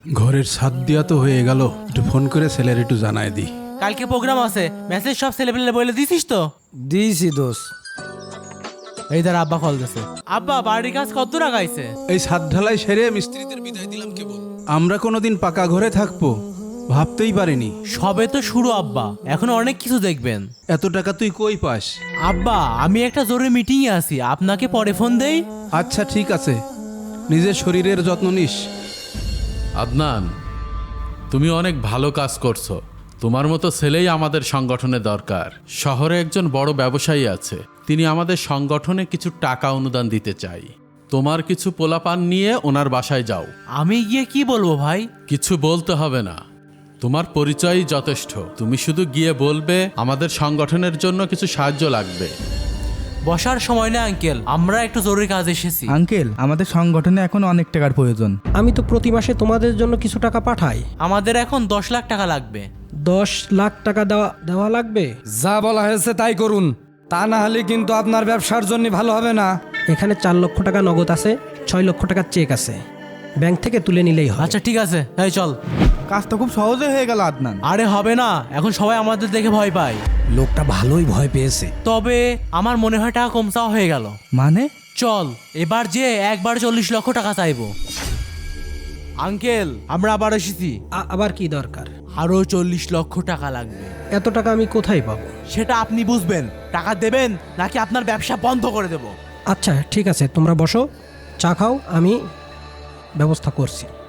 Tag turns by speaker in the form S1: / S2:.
S1: ঘরের ছাদ দিয়া তো হয়ে গেল, একটু ফোন করে ছেলের একটু জানায় দি।
S2: কালকে প্রোগ্রাম আছে, মেসেজ সব ছেলেপেলে বলে দিছিস তো?
S3: দিয়েছি দোষ।
S2: এই তার আব্বা কল দিছে। আব্বা বাড়ির কাজ কত টাকা আইছে?
S1: এই ছাদ ঢালাই সেরে মিস্ত্রিদের বিদায় দিলাম কেবল। আমরা কোনোদিন পাকা ঘরে থাকবো ভাবতেই পারিনি।
S2: সবে তো শুরু আব্বা, এখন অনেক কিছু দেখবেন।
S1: এত টাকা তুই কই পাস?
S2: আব্বা আমি একটা জরুরি মিটিংয়ে আছি, আপনাকে পরে ফোন দেই।
S1: আচ্ছা ঠিক আছে, নিজের শরীরের যত্ন নিস।
S4: আদনান, তুমি অনেক ভালো কাজ করছো। তোমার মতো ছেলেই আমাদের সংগঠনে দরকার। শহরে একজন বড় ব্যবসায়ী আছে, তিনি আমাদের সংগঠনে কিছু টাকা অনুদান দিতে চাই। তোমার কিছু পোলাপান নিয়ে ওনার বাসায় যাও।
S2: আমি গিয়ে কি বলবো ভাই?
S4: কিছু বলতে হবে না, তোমার পরিচয়ই যথেষ্ট। তুমি শুধু গিয়ে বলবে আমাদের সংগঠনের জন্য কিছু সাহায্য লাগবে।
S2: বসার সময় না আঙ্কেল, আমরা একটু জরুরি কাজ এসেছি।
S5: আঙ্কেল, আমাদের সংগঠনে এখন অনেক টাকার প্রয়োজন।
S3: আমি তো প্রতি মাসে তোমাদের জন্য কিছু টাকা পাঠাই।
S2: আমাদের এখন 10 লাখ টাকা লাগবে।
S3: 10 লাখ টাকা দেওয়া লাগবে?
S6: যা বলা হয়েছে তাই করুন, তা না হলে কিন্তু আপনার ব্যবসার জন্য ভালো হবে না।
S3: এখানে 4 লক্ষ টাকা নগদ আছে, 6 লক্ষ টাকার চেক আছে, ব্যাংক থেকে তুলে নিলেই হয়।
S2: আচ্ছা ঠিক আছে, এই চল।
S5: কাজটা খুব সহজে হয়ে গেল আদনান।
S2: আরে হবে না, এখন সবাই আমাদের দেখে ভয় পায়।
S3: লোকটা ভালোই ভয় পেয়েছে।
S2: তবে আমার মনে হয় টাকা কম চাওয়া হয়ে গেল।
S5: মানে?
S2: চল এবার যে একবার 40 লক্ষ টাকা চাইবো। আঙ্কেল আমরা আবার এসেছি,
S3: আবার কি দরকার?
S2: আরো 40 লক্ষ টাকা লাগবে।
S3: এত টাকা আমি কোথায় পাবো?
S2: সেটা আপনি বুঝবেন। টাকা দেবেন নাকি আপনার ব্যবসা বন্ধ করে দেব?
S3: আচ্ছা ঠিক আছে, তোমরা বসো, চা খাও, আমি ব্যবস্থা করছি।